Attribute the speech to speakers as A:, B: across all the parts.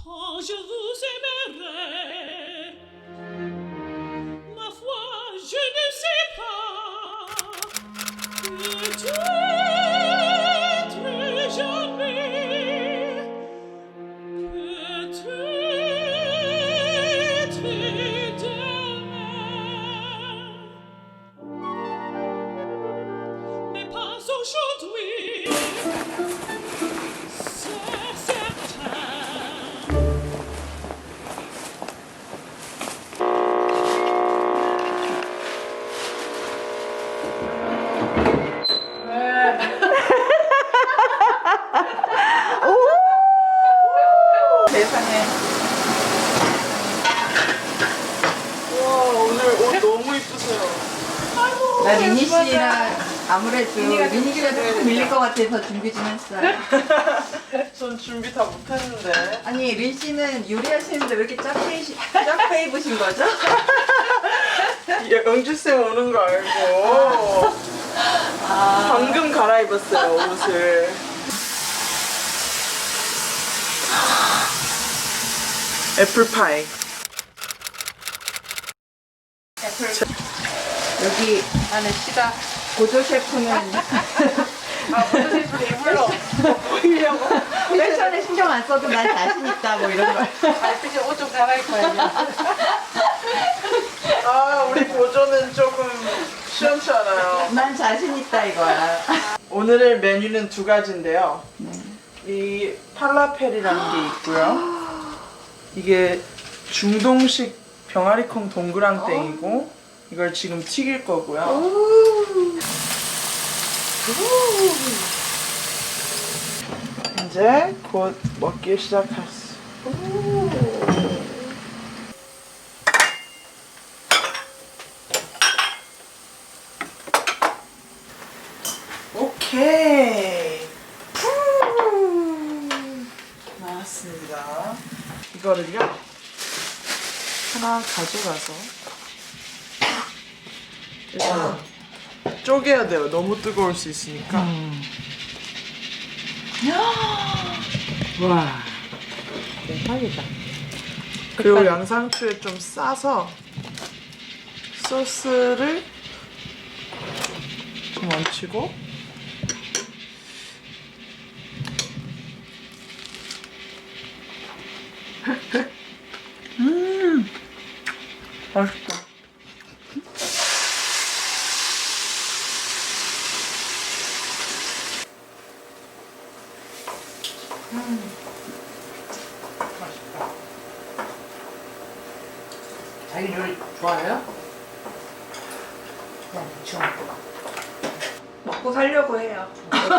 A: Oh, je vous aimerai. Ma foi, je ne sais pas. Peut-être jamais. Peut-être demain. Mais pas aujourd'hui. C'est certain.
B: 세상에. 와, 오늘 옷 너무 이쁘세요.
C: 나 미니 씨랑 아무래도 미니 씨가 조금 밀릴 것 같아서 준비 좀 했어요.
B: 전 준비 다 못했는데.
C: 아니 린 씨는 요리하시는데 왜 이렇게 작게 입으신 거죠?
B: 영주쌤 오는 거 알고 방금 갈아입었어요, 옷을. 애플파이.
C: 여기 안에 씨가 고조 셰프는
B: 모든 셰프는 이불로 보이려고.
C: 패션에 신경 안 써도 난 자신 있다 뭐 이런 거.
B: 이제 옷 좀 갈아입어야지. 아, 우리 보조는 조금 시원치 않아요.
C: 난 자신 있다 이거야.
B: 오늘의 메뉴는 두 가지인데요. 이 팔라펠이라는 게 있고요. 이게 중동식 병아리콩 동그랑땡이고 이걸 지금 튀길 거고요. 이제 곧 먹기 시작했어. 오케이. 나왔습니다. 이거를요 하나 가져가서 일단 쪼개야 돼요. 너무 뜨거울 수 있으니까.
C: 와 대박이다.
B: 그리고 양상추에 좀 싸서 소스를 좀 얹히고 맛있다.
C: 맛있다. 자기 요리 좋아해요? 그냥 무쳐 먹고 살려고 해요.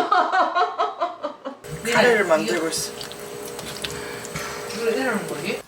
B: 카레를 만들고 있어.
C: 이걸 이러는 거지?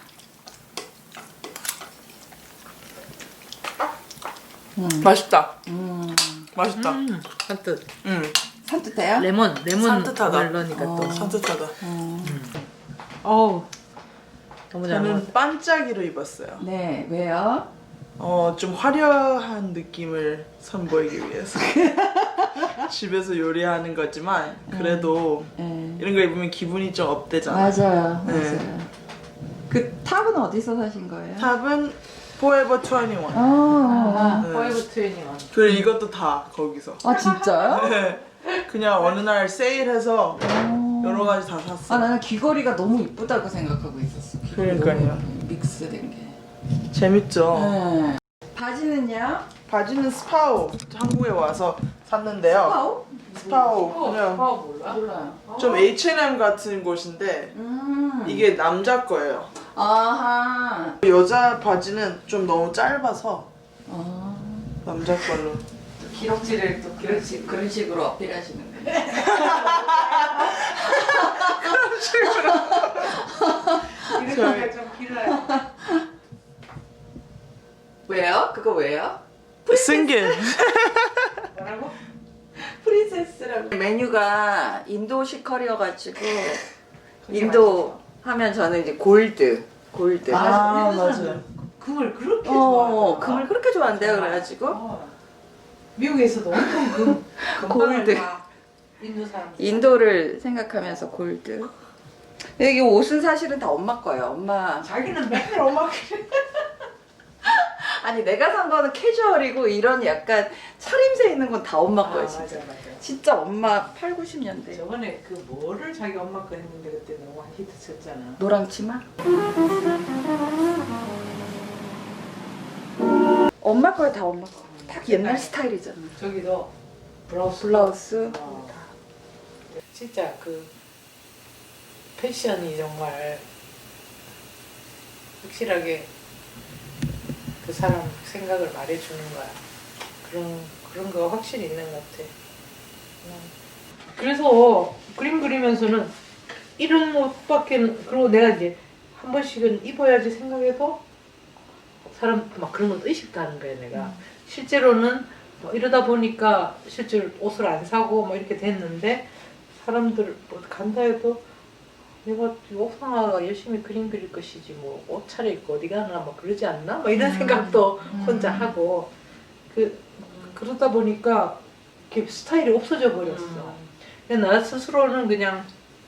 B: 맛있다. 맛있다.
D: 산뜻.
C: 산뜻해요?
D: 레몬
B: 산뜻하다.
D: 넣으니까 또.
B: 산뜻하다.
D: 어우. 너무 잘 먹었다.
B: 저는 반짝이로 입었어요.
C: 네, 왜요?
B: 좀 화려한 느낌을 선보이기 위해서. 집에서 요리하는 거지만 그래도
C: 네.
B: 이런 거 입으면 기분이 좀 업되잖아.
C: 맞아요,
B: 네.
C: 맞아요. 그 탑은 어디서 사신 거예요?
B: 탑은 Forever 21.
C: 아,
D: 포에버 트웬티원.
B: 그리고 이것도 다 거기서.
C: 아 진짜요?
B: 네. 그냥 어느 날 세일해서 여러 가지 다 샀어.
C: 아 나는 귀걸이가 너무 이쁘다고 생각하고 있었어. 귀걸이
B: 그러니까요.
C: 너무 믹스된 게.
B: 재밌죠?
C: 네. 바지는요?
B: 바지는 스파오. 한국에 와서 샀는데요.
C: 파오?
B: 스파오. 그냥
D: 몰라?
C: 몰라요.
B: 좀 H&M 같은 곳인데 이게 남자 거예요.
C: 아하.
B: 여자 바지는 좀 너무 짧아서
C: 아.
B: 남자 걸로.
C: 기럭지를 또 그런 식으로 어필하시는데.
B: 저희
D: 좀 길어요.
C: 왜요? 그거 왜요?
B: 승길.
D: 뭐라고?
C: 프린세스라고. 메뉴가 인도식 커리여가지고 인도 하면 저는 이제 골드.
B: 아 맞아요.
D: 금을 그렇게 좋아하더라.
C: 금을 그렇게 좋아한대요. 그래가지고
D: 미국에서도 엄청 금방을
C: 골드.
D: 다 인도 사람.
C: 인도를 생각하면서 골드. 여기 옷은 사실은 다 엄마 거예요. 엄마.
D: 자기는 맨날 엄마
C: 아니 내가 산 거는 캐주얼이고 이런 약간 차림새 있는 건 다 엄마 거예요.
D: 맞아
C: 진짜.
D: 맞아.
C: 진짜 엄마 8, 90년대.
D: 저번에 그 뭐를 자기 엄마 거 했는데 그때 너무 히트 쳤잖아.
C: 노랑 치마? 엄마 거야 다 엄마 거. 딱 옛날 스타일이잖아.
D: 저기도 블라우스.
C: 블라우스.
D: 어. 진짜 그 패션이 정말 확실하게 그 사람 생각을 말해주는 거야. 그런 거 확실히 있는 것 같아. 그래서 그림 그리면서는 이런 옷밖에 그리고 내가 이제 한 번씩은 입어야지 생각해도 사람 막 그런 것 의식도 하는 거야 내가. 실제로는 뭐 이러다 보니까 실제로 옷을 안 사고 뭐 이렇게 됐는데 사람들 뭐 간다 해도 내가 옥상아가 열심히 그림 그릴 것이지 뭐 옷 차려입고 어디 가나 뭐 그러지 않나? 뭐 이런 생각도 혼자 하고 그러다 보니까 이렇게 스타일이 없어져 버렸어. 근데 나 스스로는 그냥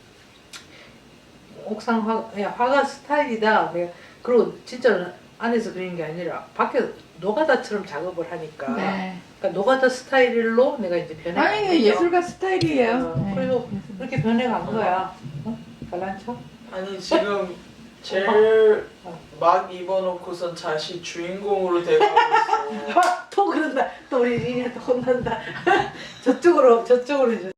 D: 옥상 화가 스타일이다. 내가 그리고 진짜 안에서 그린 게 아니라 밖에 노가다처럼 작업을 하니까
C: 네.
D: 그러니까 노가다 스타일로 내가 이제 변해간
C: 아니
D: 거죠.
C: 예술가 스타일이에요. 네.
D: 그래서 그렇게 변해간 거야. 어? 잘난 척?
B: 아니 지금 제일 막 입어놓고선 다시 주인공으로 돼가고 있어.
D: 또 그런다. 또 우리 리니가 또 혼난다. 저쪽으로 이제.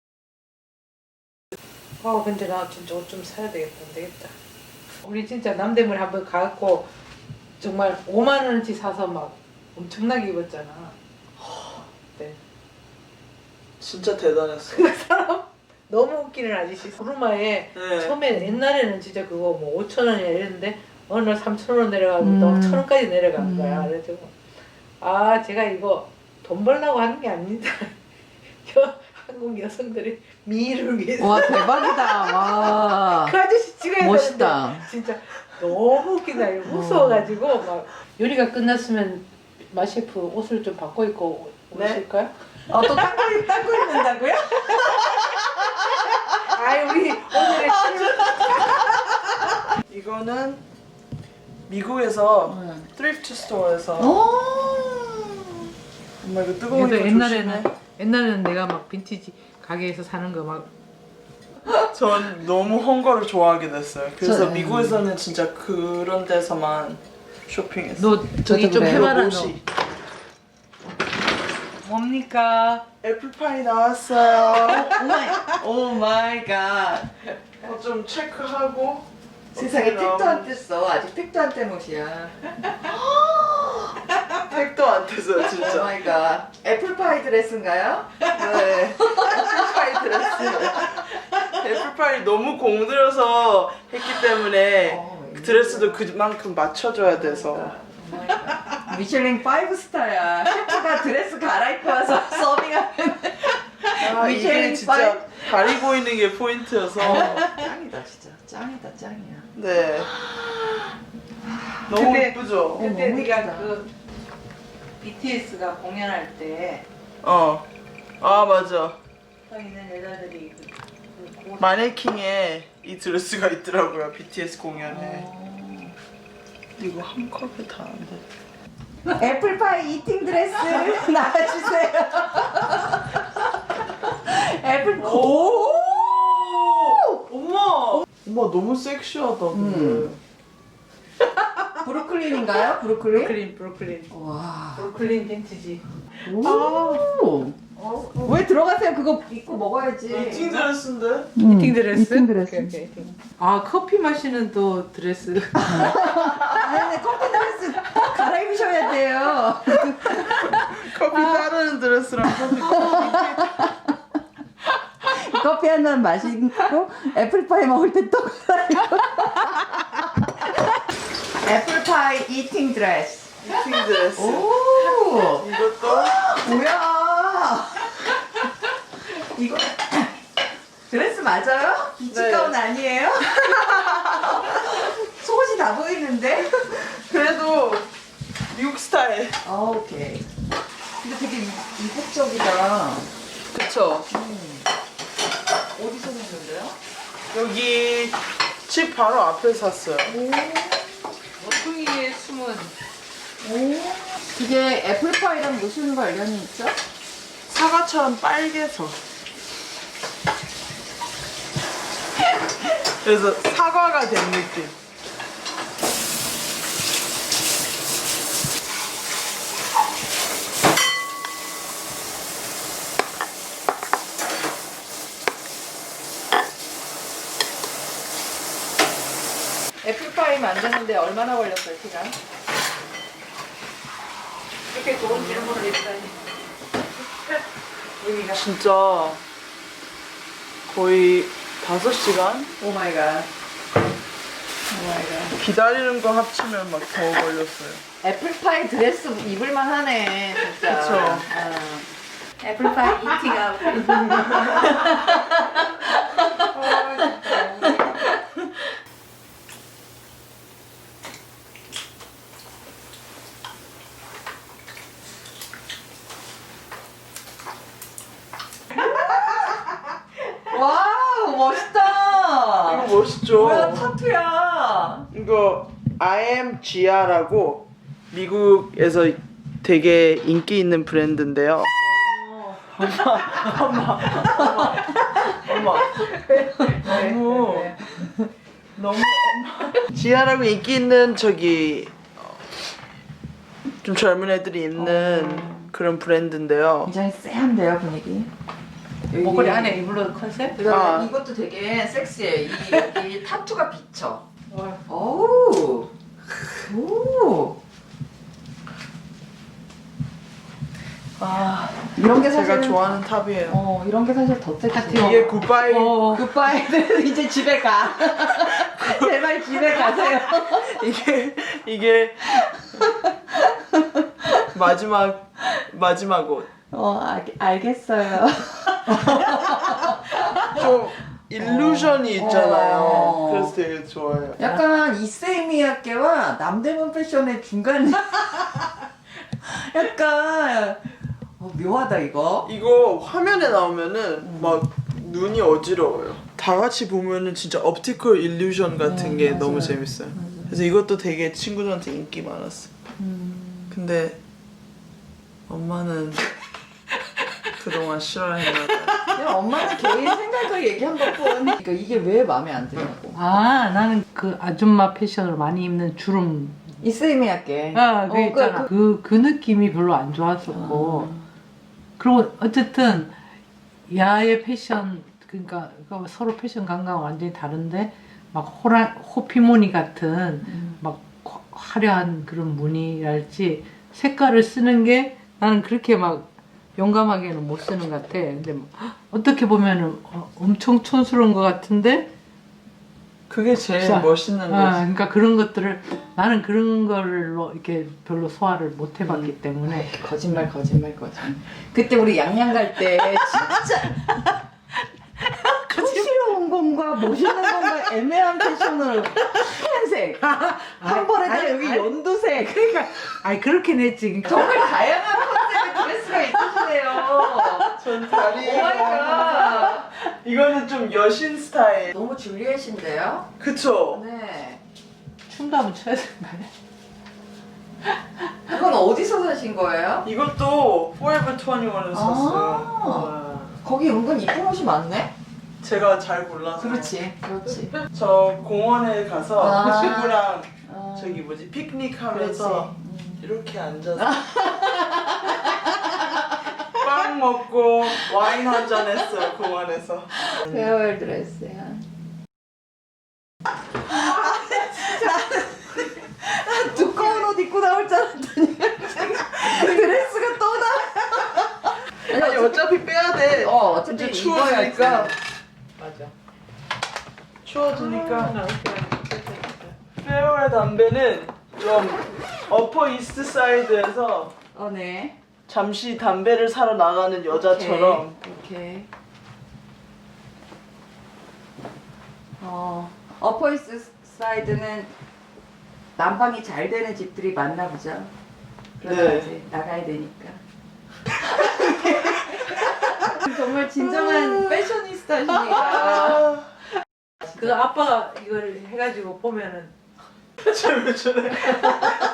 D: 근데 나 진짜 옷 좀 사야 되겠다. 안 되겠다. 우리 진짜 남대문에 한번 가갖고 정말 5만 원어치 사서 막 엄청나게 입었잖아. 네.
B: 진짜 대단했어.
D: 너무 웃기는 아저씨. 구르마에
B: 네.
D: 처음에 옛날에는 진짜 그거 뭐 5천 원이야 이랬는데 어느 날 3천 원 내려가고 또 1천 원까지 내려간 거야. 그래가지고 제가 이거 돈 벌려고 하는 게 아닙니다. 한국 여성들의 미를 위해서.
C: 와 대박이다. 와.
D: 그 아저씨 찍어야
C: 멋있다.
D: 되는데 진짜 너무 웃기다. 이거 무서워가지고 막 요리가 끝났으면 마셰프 옷을 좀 바꿔 입고
B: 네?
D: 오실까요?
C: 또 닦고 입는다고요?
D: 우리 오늘의
B: 이거는 미국에서
C: 응.
B: thrift store에서 정말 이거 뜨거우니까
D: 그래도
B: 조심해.
D: 옛날에는 내가 막 빈티지 가게에서 사는 거 막
B: 전 너무 헝거를 좋아하게 됐어요. 그래서
C: 저-
B: 미국에서는 진짜 그런 데서만 쇼핑했어.
D: 너 저기 좀
C: 그래요.
D: 해봐라 너.
B: 옷이.
C: 뭡니까?
B: 애플파이 나왔어요.
C: 오 마이 갓.
B: 좀 체크하고
C: 세상에
B: 어떻게
C: 택도 안
B: 나오는지.
C: 뗐어. 아직 택도 안 뗀 옷이야.
B: 택도 안 떼서
C: 오
B: 진짜.
C: 마이 갓. 애플파이 드레스인가요?
B: 네. 애플파이 드레스. 애플파이 너무 공들여서 했기 때문에 그 드레스도 그만큼 맞춰줘야 돼서.
C: 미슐랭 5스타야. 셰프가 드레스 갈아입고 와서 서빙하는.
B: 이게
C: 미쉐린
B: 진짜 다리 보이는 게 포인트여서.
C: 짱이다 진짜. 짱이다 짱이야.
B: 네. 너무
D: 근데-
B: 예쁘죠?
D: 그때
C: 너무
D: 네가
C: 예쁘다.
D: 그 BTS가 공연할 때
B: 아 맞아.
D: 서 있는 여자들이
B: 마네킹에 이 드레스가 있더라고요. BTS 공연에. 이거 한 컵에 다 안 돼.
C: 애플파이 이팅 드레스 나와주세요. 애플 오.
B: 엄마! 엄마 너무 섹시하다. 근데.
C: 브루클린인가요? 브루클린?
D: 브루클린
C: 와.
D: 브루클린 빈티지.
C: 오. 왜 들어가세요? 그거 입고 먹어야지.
B: 미팅 드레스인데?
D: 이팅 드레스?
C: 이팅 드레스.
D: 오케이. 커피 마시는 또 드레스.
C: 아니, 커피 드레스 갈아입으셔야 돼요.
B: 커피 따르는 드레스랑 커피.
C: 커피 한 잔 마시고 애플파이 먹을 때 또 갈아입고. 애플파이 이팅 드레스.
B: 미팅 드레스.
C: 오.
B: 이것도
C: 뭐야? 이거 드레스 맞아요? 비치
B: 네.
C: 가운 아니에요? 속옷이 다 보이는데?
B: 그래도 미국 스타일.
C: 오케이. 근데 되게 이국적이다.
B: 그쵸.
C: 어디서 샀는데요?
B: 여기 집 바로 앞에 샀어요.
D: 모퉁이에 숨은
C: 그게 애플파이랑 무슨 관련이 있죠?
B: 사과처럼 빨개서. 그래서 사과가 된 느낌.
C: 애플파이 만드는데 얼마나 걸렸어요, 시간?
D: 이렇게 좋은 질문을 했다니. 여기가
B: 진짜 거의 5시간?
C: 오 마이 갓. 오 마이 갓.
B: 기다리는 거 합치면 막 더 걸렸어요.
C: 애플파이 드레스 입을만 하네, 진짜.
B: 그쵸.
C: 애플파이 이팅하고. 와우, 멋있다.
B: 이거 멋있죠?
C: 뭐야, 타투야.
B: 이거 I am Gia라고 미국에서 되게 인기 있는 브랜드인데요. 엄마. 너무 지아라고 인기 있는 저기 좀 젊은 애들이 입는 그런 브랜드인데요.
C: 굉장히 쎄한데요, 분위기.
D: 목걸이 안에 입을로 컨셉?
C: 그다음에
B: 아.
C: 이것도 되게 섹시해. 여기 타투가 비쳐.
D: 와.
C: 오. 오. 아, 이런 게
B: 제가
C: 사실
B: 좋아하는 탑이에요.
C: 이런 게 사실 더 섹시해.
B: 이게 굿바이
C: 굿바이는 이제 집에 가. 제발 집에 가세요.
B: 이게 마지막 옷.
C: 알겠어요.
B: 좀 일루전이 있잖아요.
C: 어.
B: 그래서 되게 좋아요.
C: 약간 이세미야께와 남대문 패션의 중간. 약간 묘하다 이거.
B: 이거 화면에 나오면은 막 눈이 어지러워요. 다 같이 보면은 진짜 옵티컬 일루전 같은 게
C: 맞아요.
B: 너무 재밌어요. 그래서 이것도 되게 친구들한테 인기 많았어. 근데 엄마는 그동안 싫어했나 봐요.
C: 그냥 엄마는 개인 생각을 얘기한 것뿐. 그러니까 이게 왜 마음에 안 드냐고.
D: 아, 나는 그 아줌마 패션을 많이 입는 주름.
C: 이세미야께.
D: 그 있잖아. 그 느낌이 별로 안 좋았었고. 그리고 어쨌든 야의 패션, 그러니까 서로 패션 감각은 완전히 다른데 막 호피무늬 같은 막 화려한 그런 무늬랄지 색깔을 쓰는 게 나는 그렇게 막 용감하게는 못 쓰는 것 같아. 근데 어떻게 보면은 엄청 촌스러운 것 같은데
B: 그게 제일
D: 자,
B: 멋있는 거지.
D: 그러니까 그런 것들을 나는 그런 걸로 이렇게 별로 소화를 못 해봤기 때문에
C: 거짓말. 그때 우리 양양 갈 때 진짜 촌스러운 건가 멋있는 건가 애매한 패션을 하얀색 한 번에 여기 연두색.
D: 그러니까 그렇긴 했지.
C: 정말 다양한 컨셉의 드레스가 있으시네요.
B: 전 다리.
C: 오마이갓.
B: 이거는 좀 여신 스타일.
C: 너무 줄리엣인데요?
B: 그쵸?
C: 네.
D: 춤도 한번 춰야 된다.
C: 그건 어디서 사신 거예요?
B: 이것도 Forever 21에서 샀어요.
C: 아. 거기 은근 이쁜 옷이 많네?
B: 제가 잘 골라서.
C: 그렇지.
B: 저 공원에 가서
C: 아.
B: 친구랑
C: 아.
B: 저기 뭐지 피크닉 하면서 이렇게 앉아서 빵 먹고 와인 한잔 했어요 공원에서.
C: 페어웰 드레스야. 두꺼운 옷 입고 나올 줄 알았더니 드레스가 또 나와.
B: 아니 어차피 빼야 돼.
C: 어차피
B: 이제 추워지니까.
D: 맞아.
B: 추워지니까. 페어웰 담배는 좀 어퍼 이스트 사이드에서
C: 네.
B: 잠시 담배를 사러 나가는 여자처럼.
C: 오케이. 어퍼이스트 사이드는 난방이 잘 되는 집들이 많나 보죠. 그러다
B: 네.
C: 이제 나가야 되니까. 정말 진정한 패셔니스타시니까.
D: 그 아빠가 이걸 해가지고 보면은
B: 쟤왜 저래?